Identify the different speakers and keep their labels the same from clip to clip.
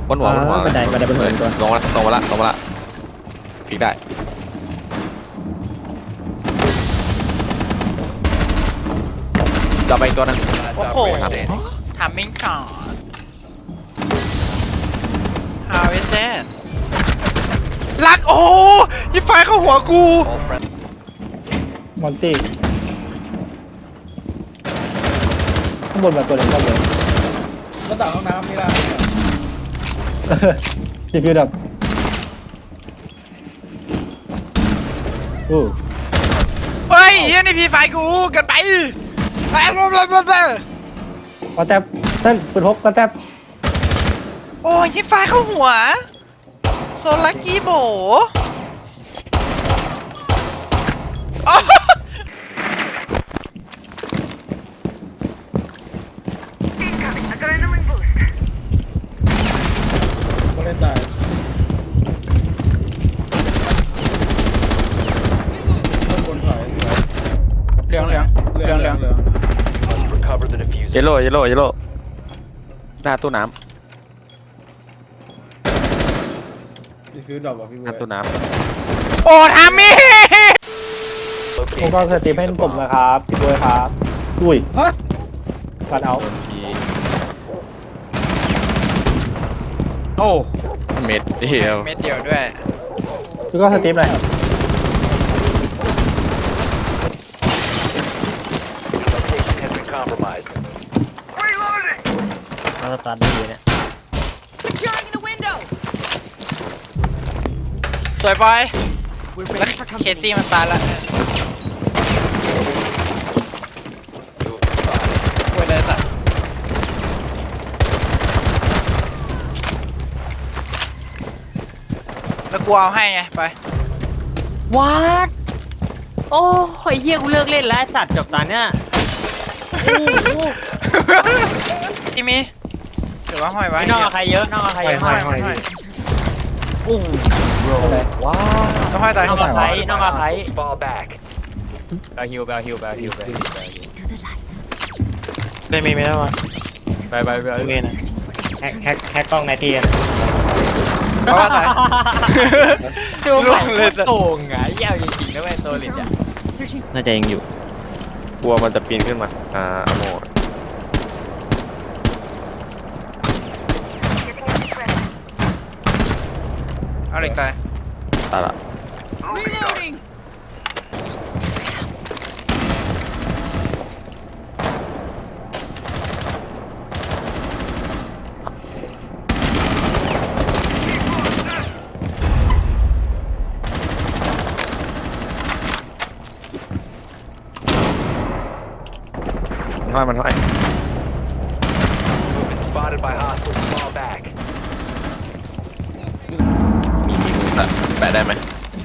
Speaker 1: บนหัว
Speaker 2: บันไดบนหัวตัว
Speaker 1: ลงมาละพลิกได้จะไปอีกตัวนึง
Speaker 3: โอ้โหทำมิ่งก่อน How is that ลักโอ้ยิงไฟเข้าหัวกู
Speaker 2: มอนตี้ข้างบนแบบตัวเล็กก็เลย
Speaker 4: ก็ต่างห้องน้ำนี่ละ
Speaker 2: รีวิวแบบอู้
Speaker 3: เฮ้ยเฮียนี่พีไฟกูเกันไปไปไป
Speaker 2: กระแทบเต้นปืนพกกระแทบ
Speaker 3: โอ้ยยิงไฟเข้าหัวโซลักกี้โบอ๋อ
Speaker 4: ก็เล่นได้ต้นบนถอย
Speaker 3: เหลือง
Speaker 4: เหลือง
Speaker 1: เยลโล่หน้าตู้น้
Speaker 4: ดีฟิวดรอปอ่ะพี่
Speaker 1: ำห
Speaker 4: เบิ
Speaker 1: น้า
Speaker 4: ร์
Speaker 1: ตู้
Speaker 4: ด
Speaker 1: น้
Speaker 3: โอ้ทามี่
Speaker 2: ผมก็สตรีมให้ผมนะครับพี่บวยครับอุ้ย
Speaker 4: ฮะ
Speaker 2: ฟันเอา
Speaker 1: ำทีโอ้เม็ดเดียว
Speaker 3: เม็ดเดียวด้วย
Speaker 2: พี่ก็สตรีมหน่อย
Speaker 5: เราสตาร์ทดีเนี่ย
Speaker 3: สวยบอยแล้วเคซี่มันตายละโว้ยเลยสัตว์แล้วกูเอาให้ไงไป
Speaker 5: วัดโอ้ยเฮียกูเลิกเล่นแล้วไอ้สัตว์จบตาเนี่ย
Speaker 3: ที่มีหรือว่าห้อยไว้
Speaker 5: ไม่นอกกับใครเยอะนอกกับใครเยอะ
Speaker 3: ห้อย
Speaker 5: โอ้
Speaker 2: อะไร
Speaker 1: ว้าว
Speaker 3: ต้องห้อยตาย
Speaker 5: นอกกับใครนอกกับใครแบลฮิวได้มีไหมล่ะวะไปเงี้ยนะแฮกกล้องในทีนะ
Speaker 3: เพราะว่าตาย
Speaker 5: ดู
Speaker 3: ล่ว
Speaker 5: มัน
Speaker 3: งเลยสัตว์
Speaker 5: โกงอ่ะเหี้ยจริงๆนะเว้ยโซลิดอ่ะ
Speaker 6: น่าจะยังอยู่
Speaker 1: กลัวมันจะปีนขึ้นมาอโม
Speaker 3: เอาเหล็กตาย
Speaker 1: ตายละมันห้อยแปะได้ไหม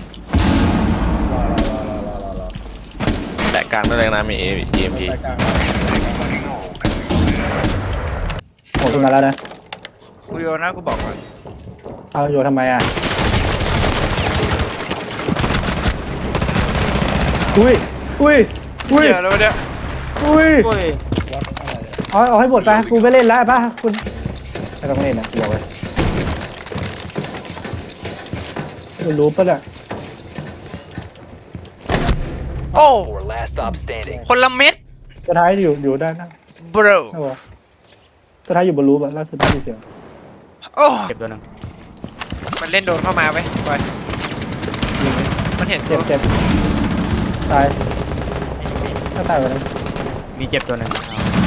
Speaker 4: รอ
Speaker 1: แปะกลางได้เลยนะมี EMP
Speaker 4: ไปกลาง
Speaker 2: ผมขึ้นมาแล้วนะ
Speaker 3: กูโยนนะกูบอกก่อน
Speaker 2: เอาโยทำไมอ่ะอุ้ย
Speaker 3: เดี๋ยวแล้วเนี่ย
Speaker 2: อุ้ย
Speaker 5: โอ้ย
Speaker 4: วัดอะไร
Speaker 2: เอาให้หมดไปกูไม่เล่นแล้วป่ะคุณไม่ต้องเล่นนะเดี๋ยวไว้คุณรู้ปะเนี่ย
Speaker 3: โอ้คนละเม็ด
Speaker 2: ตัวท้ายอยู่ด้านหน้า
Speaker 3: บร
Speaker 2: นะวะตัวท้ายอยู่บนรูปอะล่าสุดได้ยินเสียง
Speaker 3: โอ้
Speaker 5: เก็บตัวนึง
Speaker 3: มันเล่นโดนเข้ามาไปบอยมันเห็น
Speaker 2: เจ็บตายถ้าตายวันนี้
Speaker 5: มีเจ็บตัวนึง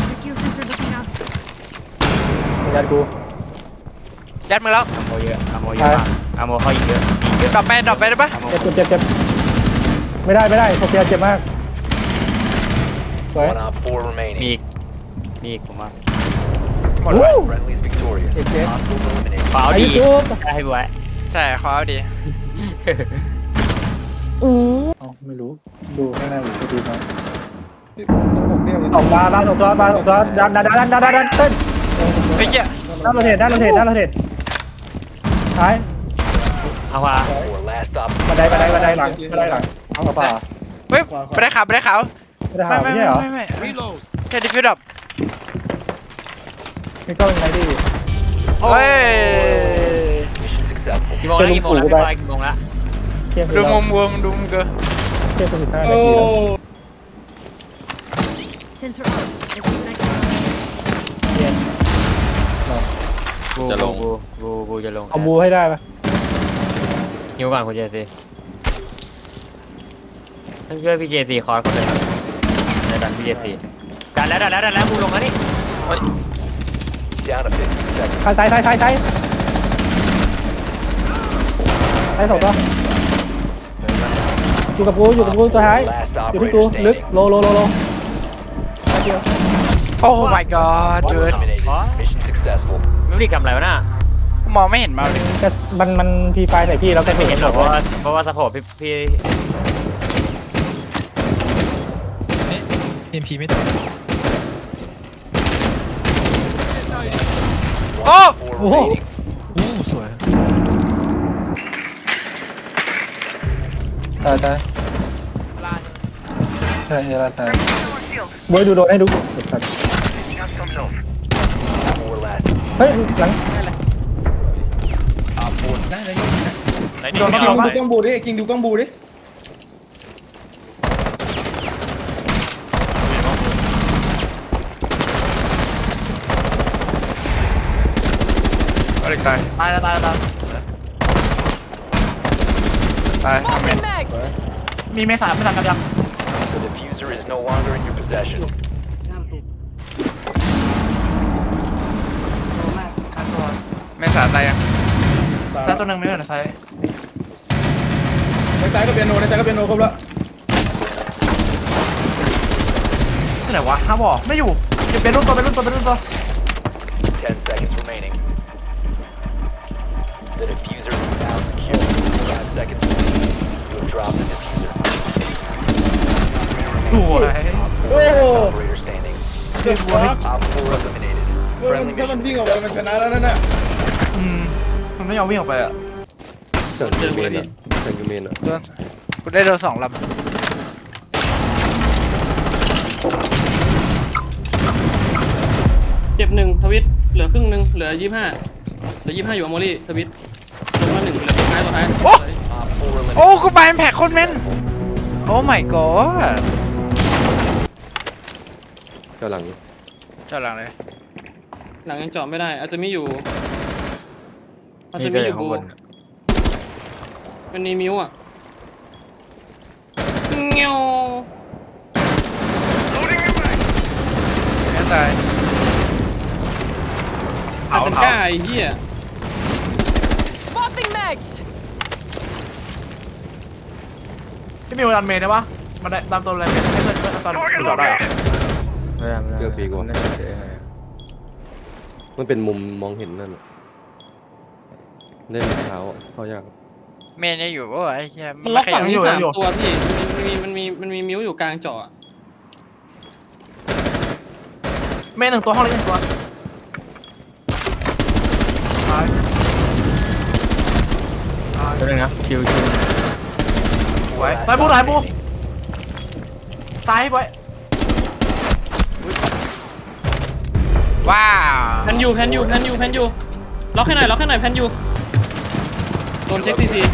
Speaker 2: ยัดกู
Speaker 3: ยัดมือแล้ว
Speaker 5: อโมเยอะมากอโมเขาอีกเยอะ
Speaker 3: ดรอปไปได้ปะ
Speaker 5: อโม
Speaker 2: เจ็บไม่ได้โซเฟียเจ็บมากสวย
Speaker 5: มีอีกผมว่า
Speaker 3: หมดแล้ว
Speaker 2: เจ็บ
Speaker 5: ขอเอา
Speaker 2: ไอ้
Speaker 5: ดี
Speaker 2: ยูทูบ
Speaker 5: ได้ให้ไว้
Speaker 3: ใช่ขอเอาดี
Speaker 2: ไม่รู้ดูข้างในอยู่ดีมั้ง
Speaker 4: พี่ต้องผมเบี้ยวเลย
Speaker 2: ออกมาบ้านออกตัวดันเต้น
Speaker 3: ไอ้เหี้ย
Speaker 2: ด้านเราเทศท้าย
Speaker 5: เอาว่า
Speaker 2: บันไดหลังเอากระเป๋า
Speaker 3: เฮ้ยไม่ได้ขาว
Speaker 2: ไม่ได้หาไม่ใช่เหรอ
Speaker 3: ไม่แค่ดิฟิวดับ
Speaker 2: ไม่ก็ยังไงดิ
Speaker 3: เฮ้ย
Speaker 5: กี่โมงแล้วกี่โมงแล้วพี่บอยกี่โมงแล้ว
Speaker 2: เที่ยงคืน
Speaker 3: ดู
Speaker 2: แล้ว
Speaker 3: มุมวงดูมุมเกอ
Speaker 2: เที่ยงคืน15
Speaker 4: โอ้
Speaker 2: นาทีแล้ว
Speaker 6: Sensor up. Disconnect.
Speaker 2: เที่ยง
Speaker 5: บูจะลง
Speaker 2: เอาบูให้ได้ปะ
Speaker 5: หิวก่อนคุณเจซีต้องช่วยพี่เจซีคอร์สคนเลยครับในดันพี่เจซีดันแล้วบูลงแล้วนี่
Speaker 2: ซ้ายสองตัวอยู่กับกูตัวท้ายอยู่ที่กูลึกโลเดียว
Speaker 3: โอ้ my god เจิด
Speaker 5: ไม่ได้กำอะไรวะน่ะ
Speaker 3: มองไม่เห็นมาเลย
Speaker 2: แต่มันพีไฟใส่พี่แล้วก็
Speaker 5: ไม่เห็นหรอกเพราะว่าสะโพกพี่
Speaker 7: เอ็มพีไม่ตก
Speaker 3: โอ้
Speaker 2: โอ้โห
Speaker 7: โอ้สวย
Speaker 2: ตายใช่ลาตายบวยดูโดนให้ดูเฮ้ยหลัง
Speaker 4: ได้เลย
Speaker 5: ไหน
Speaker 4: ดูกล้องบูดิคิงดูกล้องบูดิ
Speaker 3: อะไรตาย
Speaker 5: ตาย
Speaker 3: ตายทำเมน
Speaker 6: Mags.
Speaker 5: มีเมษาไม่ทันกันยัง
Speaker 3: ไม่สาตายยัง
Speaker 5: ซาตัวหนึ่งไม่เหรอไซ
Speaker 4: ในใจก็เปียโนครบแล้ว
Speaker 5: ที่ไหนวะห้าบอกไม่อยู่เป็นรุ่นตัว
Speaker 8: 10 seconds remaining. The diffuser is now secure. 5 seconds remaining. You have dropped the diffuser.
Speaker 5: สวย
Speaker 4: โอ้โห
Speaker 8: Operator standing.
Speaker 4: เดือดร้อน
Speaker 8: Op 4 eliminated.
Speaker 4: ถ้ามันวิ่งออกไปมันชนะแล้วนั่นน่ะ
Speaker 5: มันไม่ยอมวิ่งออกไปอ่ะ
Speaker 3: โดนกูได้โดน2 ลำ
Speaker 9: เจ็บหนึ่งทวิตเหลือครึ่งหนึ่งเหลือ25อยู่อโมลี่ทวิตลงมาหนึ่งเหลือตัวท้าย
Speaker 3: โอ้
Speaker 8: Op 4 eliminated.
Speaker 3: โอ้กูไปแพ็คโคตรแม่นโอ้ my god เจ้าหลังเลย
Speaker 9: หลังยังเจาะไม่ได้อาจจะไม่อยู่บูมันมีมิวอ่ะเงี้ยว
Speaker 3: ไม่ตาย
Speaker 9: อาจจะกล้าไอ้เหี้ย
Speaker 6: Swapping mags.
Speaker 5: พี่มิวดันเมย์ได้ปะมันได้ตามตัวอะไรเมย์ให้เพื่อนตอนดูต่อได้เหรอไม่ได้
Speaker 10: เจอปีกว่ามันเป็นมุมมองเห็นนั่นน่ะเล่นเท้าอ่ะเขายาก
Speaker 3: เมนยังอยู่ปะวะไอ้เหี้ย
Speaker 9: มันล็อก
Speaker 3: ขยั
Speaker 9: ฝั่
Speaker 3: บ
Speaker 9: งนี้3 ตัวพี่มันมีมิวอยู่กลางเจาะ
Speaker 5: เมย์1 ตัวห้องเล็ก1 ตัวตัวนึงนะชิวไว้ตายบูตายไว้
Speaker 3: ว้าว
Speaker 9: แพนยูล็อกให้หน่อยแพนยูโดนเช็คซี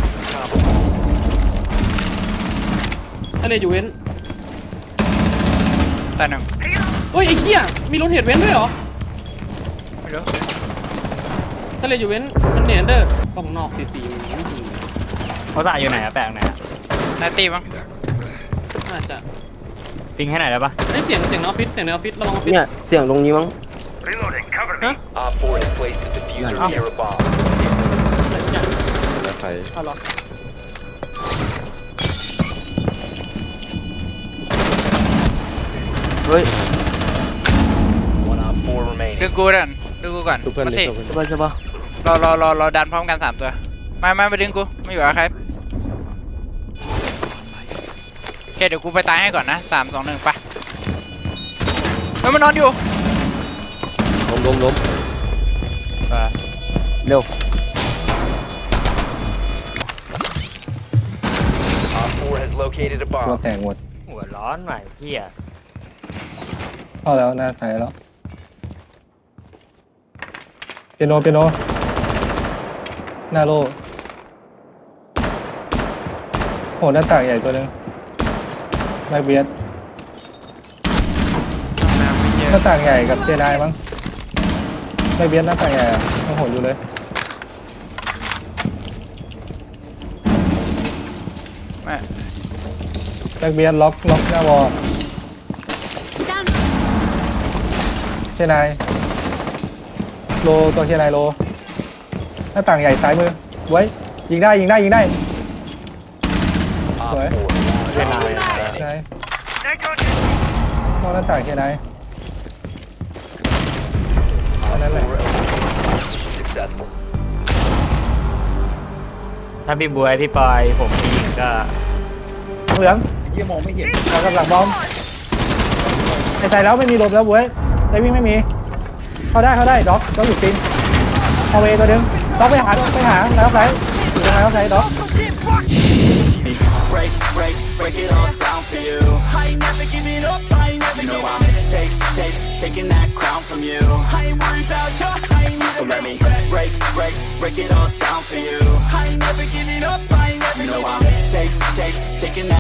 Speaker 9: ทะเลอยู่เว้น
Speaker 3: ตายหนึ่ง
Speaker 9: เฮ้ยไอ้เหี้ยมีรถเหตุเว้นด้วยเหรอ
Speaker 3: ไม่รู้
Speaker 9: ทะเลอยู่เว้นมันเนียนเด้อกล่องนอกซีมันไม่จริง
Speaker 5: เขาตายอยู่ไหนอะแปลงไหนอะ
Speaker 3: นายตีมั้ง
Speaker 9: น่าจะ
Speaker 5: ปิงให้ไหนได้ปะ
Speaker 9: ไอ้เสียงในออฟฟิศระวังออฟฟิศ
Speaker 10: เนี่ยเสียงตรงนี้มั้ง
Speaker 9: ฮะ
Speaker 8: Op 4 has placed the diffuser near a bomb.
Speaker 10: แล้วใคร
Speaker 9: เอาหรอ
Speaker 10: เฮ้ย
Speaker 8: One Op 4 remaining.
Speaker 3: ดึงกูก่อน
Speaker 10: ทุกเพื่อน
Speaker 3: มา
Speaker 10: เลย
Speaker 3: สิ
Speaker 10: ทุกเพื่อน
Speaker 5: ใช่ปะ
Speaker 3: รอดันพร้อมกัน3 ตัวมาดึงกูไม่อยู่อะใครโอเคเดี๋ยวกูไปตายให้ก่อนนะ3 2 1ไปเฮ้ยมันนอนอยู่
Speaker 10: ล้ม
Speaker 5: เร็ว
Speaker 8: Op 4 has located a
Speaker 2: ตัว
Speaker 8: bomb.
Speaker 2: แตกหมด
Speaker 5: หัวร้อนหน่อยพี่อะ
Speaker 2: เข้าแล้วหน้าซ้ายแล้วเปียโนหน้าโลโหหน้าต่างใหญ่ตัวหนึงแม็กเบียด
Speaker 3: น้ำไม่เย
Speaker 2: หน้า
Speaker 3: อะ
Speaker 2: ต่างใหญ่กับเจไดมั้งแม็กเบียดหน้าต่างใหญ่อะยังโหดอยู่เลย
Speaker 3: แม่
Speaker 2: แม็กเบียดล็อกหน้าวอล
Speaker 6: Down.
Speaker 2: เจไดโลตัวเจไดโลหน้าต่างใหญ่ซ้ายมือไว้ยิงได้สวย
Speaker 5: เวลา
Speaker 2: ไหนมองหน้าต่างแค่ไหนอันนั้นแหละ
Speaker 8: Successful.
Speaker 5: ถ้าพี่บวยพี่ปอยผมพี่ยิงก็
Speaker 2: เหลือง
Speaker 4: ยี่มองไม่เห็น
Speaker 2: เรากำลังบอมไอ้ใจแล้วไม่มีลมแล้วเว้ยไอ้วิ่งไม่มีเข้าได้ด็อกอยู่ตีนเอาเวตัวนึงด็อกไปหาแล้วไหนอยู่ตรงไหนแล้วไหนด็อก
Speaker 7: break it all down for you. I ain't never giving up, I ain't never giving up. Taking that crown from you. I ain't worried about you, I ain't never. So let me break it all down for you. I ain't never giving up, I ain't never giving up. I'm taking that